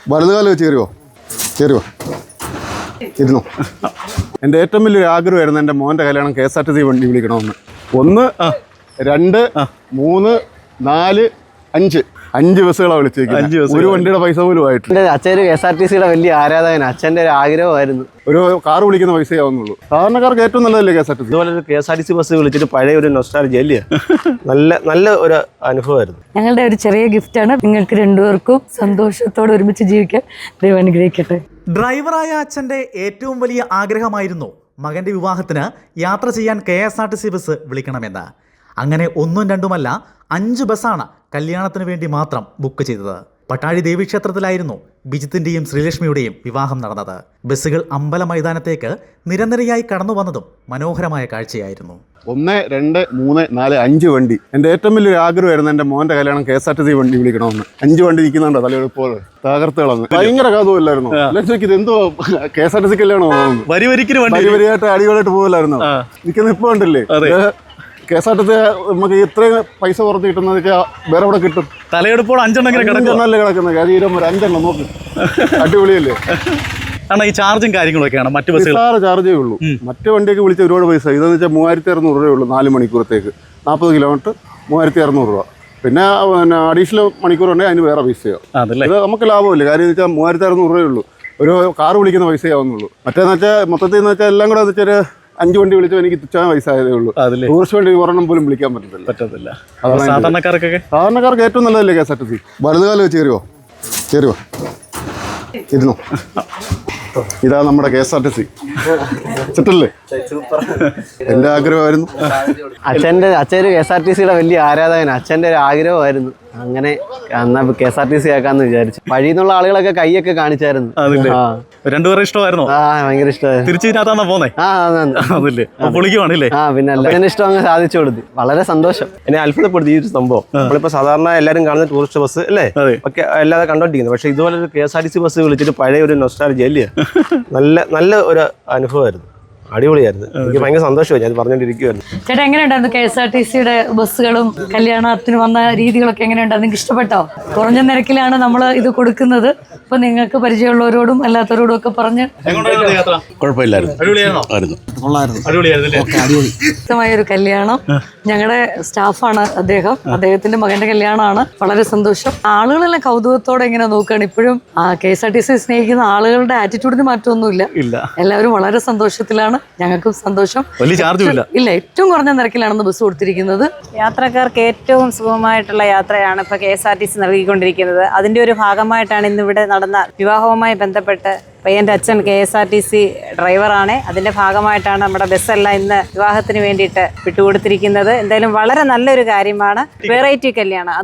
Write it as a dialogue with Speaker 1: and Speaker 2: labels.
Speaker 1: വലതുകാലം വെച്ച് കയറുമോ ഇരുന്നു. എൻ്റെ ഏറ്റവും വലിയൊരു ആഗ്രഹമായിരുന്നു എൻ്റെ മോൻ്റെ കല്യാണം KSRTC വണ്ടി വിളിക്കണമെന്ന്. 1 2 3 4 5 ബസ്സുകളാണ് വിളിച്ചേക്കുന്നത്. ഒരു വണ്ടിയുടെ പൈസ പോലും ആയിട്ടില്ല.
Speaker 2: എൻ്റെ അച്ഛൻ KSRTCയുടെ വലിയ ആരാധകൻ. അച്ഛൻ്റെ ഒരു ആഗ്രഹമായിരുന്നു. ഒരു
Speaker 1: കാർ വിളിക്കുന്ന പൈസയാവുന്നുള്ളൂ. സാധാരണക്കാർക്ക് ഏറ്റവും നല്ലതല്ലേ KSRTC?
Speaker 2: ഇതുപോലെ ഒരു KSRTC ബസ് വിളിച്ചിട്ട് പഴയ ഒരു നൊസ്റ്റാൾജിയ അല്ലേ, നല്ല ഒരു അനുഭവമായിരുന്നു.
Speaker 3: ഞങ്ങളുടെ ഒരു ചെറിയ ഗിഫ്റ്റാണ്. നിങ്ങൾക്ക് രണ്ടുപേർക്കും സന്തോഷത്തോടെ ഒരുമിച്ച് ജീവിക്കാൻ ദൈവം അനുഗ്രഹിക്കട്ടെ.
Speaker 4: ഡ്രൈവറായ അച്ഛൻ്റെ ഏറ്റവും വലിയ ആഗ്രഹമായിരുന്നു മകൻ്റെ വിവാഹത്തിന് യാത്ര ചെയ്യാൻ KSRTC ബസ് വിളിക്കണമെന്ന്. അങ്ങനെ 1ഉം 2ഉമല്ല 5 ബസ്സാണ് കല്യാണത്തിന് വേണ്ടി മാത്രം ബുക്ക് ചെയ്തത്. പട്ടാഴി ദേവീക്ഷേത്രത്തിലായിരുന്നു ബിജിത്തിൻ്റെയും ശ്രീലക്ഷ്മിയുടെയും വിവാഹം നടന്നത്. ബസ്സുകൾ അമ്പല മൈതാനത്തേക്ക് നിരനിരയായി കടന്നു വന്നതും മനോഹരമായ കാഴ്ചയായിരുന്നു.
Speaker 1: 1 2 3 4 5 വണ്ടി. എൻ്റെ ഏറ്റവും വലിയൊരു ആഗ്രഹമായിരുന്നു എൻ്റെ മോൻ്റെ കല്യാണം KSRTC വണ്ടി വിളിക്കണമെന്ന്. 5 വണ്ടി ഇരിക്കുന്നുണ്ടോ തലയെടുപ്പോൾ തകർത്തുകളന്ന്. ഭയങ്കര കഥമില്ലായിരുന്നു. ഇത് എന്തോ KSRTC കല്യാണം വരിയായിട്ട് അടിപൊളിയായിട്ട് പോകില്ലായിരുന്നു. നിൽക്കുന്ന ഇപ്പോൾ ഉണ്ടല്ലേ KSRTC നമുക്ക് ഇത്രയും പൈസ പുറത്ത് കിട്ടുന്നത് വെച്ചാൽ വേറെ എവിടെ കിട്ടും?
Speaker 4: തലയെടുപ്പോൾ 5
Speaker 1: കിടക്കുന്നത്. കാര്യം 5 നോക്ക്, അടിപൊളിയല്ലേ?
Speaker 4: ഈ ചാർജും കാര്യങ്ങളൊക്കെയാണ് മറ്റു ബസ്സുകൾ
Speaker 1: ചാർജേ ഉള്ളൂ. മറ്റു വണ്ടിയൊക്കെ വിളിച്ച ഒരുപാട് പൈസ. ഇതെന്ന് വെച്ചാൽ 3600 രൂപയുള്ളൂ 4 മണിക്കൂറത്തേക്ക്. 40 കിലോമീറ്റർ 3600 രൂപ. പിന്നെ അഡീഷണൽ മണിക്കൂറുണ്ടെങ്കിൽ അതിന് വേറെ പൈസയോ. ഇത് നമുക്ക് ലാഭമില്ല. കാര്യം എന്ന് വെച്ചാൽ 3600 രൂപയുള്ളൂ. ഒരു കാർ വിളിക്കുന്ന പൈസയാവുന്നുള്ളൂ. മറ്റേന്ന് വെച്ചാൽ മൊത്തത്തിൽ എന്ന് വെച്ചാൽ എല്ലാം കൂടെ എന്ന് വെച്ചാൽ 5 വണ്ടി വിളിച്ചോ എനിക്ക് തുച്ഛമായ പൈസ ആയതേ ഉള്ളൂ. ടൂറിസ്റ്റ് വണ്ടി ഒരെണ്ണം പോലും വിളിക്കാൻ പറ്റത്തില്ല. സാധാരണക്കാർക്ക് ഏറ്റവും നല്ലതല്ലേ KSRTC? വലതുകാലം വെച്ച് കയറുമോ ഇരുന്നു. ഇതാ നമ്മുടെ KSRTC സെറ്റല്ലേ? എൻ്റെ ആഗ്രഹമായിരുന്നു.
Speaker 2: അച്ഛൻ KSRTCയുടെ വലിയ ആരാധകൻ. അച്ഛൻ്റെ ഒരു ആഗ്രഹമായിരുന്നു. അങ്ങനെ എന്നാ KSRTC ആക്കാന്ന് വിചാരിച്ചു. വഴിന്നുള്ള ആളുകളൊക്കെ കൈയൊക്കെ കാണിച്ചായിരുന്നു.
Speaker 4: രണ്ടുപേരും ഇഷ്ടമായിരുന്നു.
Speaker 2: ഭയങ്കര ഇഷ്ടമായിരുന്നു.
Speaker 4: തിരിച്ചിട്ടാ പോന്നെ.
Speaker 2: പിന്നെ എല്ലാവരും ഇഷ്ടം അങ്ങ് സാധിച്ചു കൊടുത്തു. വളരെ സന്തോഷം. എന്നെ അത്ഭുതപ്പെടുത്തി ഈ ഒരു സംഭവം. നമ്മളിപ്പോ സാധാരണ എല്ലാവരും കാണുന്ന ടൂറിസ്റ്റ് ബസ് അല്ലേ ഒക്കെ അല്ലാതെ കണ്ടോണ്ടിരിക്കുന്നത്. പക്ഷെ ഇതുപോലെ ഒരു KSRTC ബസ് വിളിച്ചിട്ട് പഴയ ഒരു നൊസ്റ്റാൾജിയ അല്ലേ, നല്ല ഒരു അനുഭവമായിരുന്നു. അടിപൊളിയായിരുന്നു. എനിക്ക് ഭയങ്കര സന്തോഷമായി. ഞാൻ പറഞ്ഞുകൊണ്ടിരിക്കുവായിരുന്നു.
Speaker 3: ചേട്ടാ എങ്ങനെയുണ്ടായിരുന്നു KSRTCയുടെ ബസ്സുകളും കല്യാണത്തിന് വന്ന രീതികളൊക്കെ എങ്ങനെയുണ്ടായിരുന്നു? നിങ്ങൾക്ക് ഇഷ്ടപ്പെട്ടോ? കുറഞ്ഞ നിരക്കിലാണ് നമ്മൾ ഇത് കൊടുക്കുന്നത്. അപ്പൊ നിങ്ങൾക്ക് പരിചയമുള്ളവരോടും അല്ലാത്തവരോടും ഒക്കെ പറഞ്ഞ് ഒരു കല്യാണം. ഞങ്ങളുടെ സ്റ്റാഫാണ് അദ്ദേഹം. അദ്ദേഹത്തിന്റെ മകന്റെ കല്യാണമാണ്. വളരെ സന്തോഷം. ആളുകളെല്ലാം കൗതുകത്തോടെ ഇങ്ങനെ നോക്കുകയാണ്. ഇപ്പോഴും KSRTC സ്നേഹിക്കുന്ന ആളുകളുടെ ആറ്റിറ്റ്യൂഡിന് മാറ്റമൊന്നുമില്ല. എല്ലാവരും വളരെ സന്തോഷത്തിലാണ്. ഞങ്ങൾക്കും സന്തോഷം. ഇല്ല, ഏറ്റവും കുറഞ്ഞ നിരക്കിലാണെന്ന് ബസ് കൊടുത്തിരിക്കുന്നത്.
Speaker 5: യാത്രക്കാർക്ക് ഏറ്റവും സുഗമമായിട്ടുള്ള യാത്രയാണ് ഇപ്പോൾ KSRTC നൽകിക്കൊണ്ടിരിക്കുന്നത്. അതിൻ്റെ ഒരു ഭാഗമായിട്ടാണ് ഇന്നിവിടെ നടന്ന വിവാഹവുമായി ബന്ധപ്പെട്ട് പയ്യൻ്റെ അച്ഛൻ KSRTC ഡ്രൈവറാണ്. അതിൻ്റെ ഭാഗമായിട്ടാണ് നമ്മുടെ ബസ്സെല്ലാം ഇന്ന് വിവാഹത്തിന് വേണ്ടിയിട്ട് വിട്ടുകൊടുത്തിരിക്കുന്നത്. എന്തായാലും വളരെ നല്ലൊരു കാര്യമാണ്. വെറൈറ്റി കല്യാണം.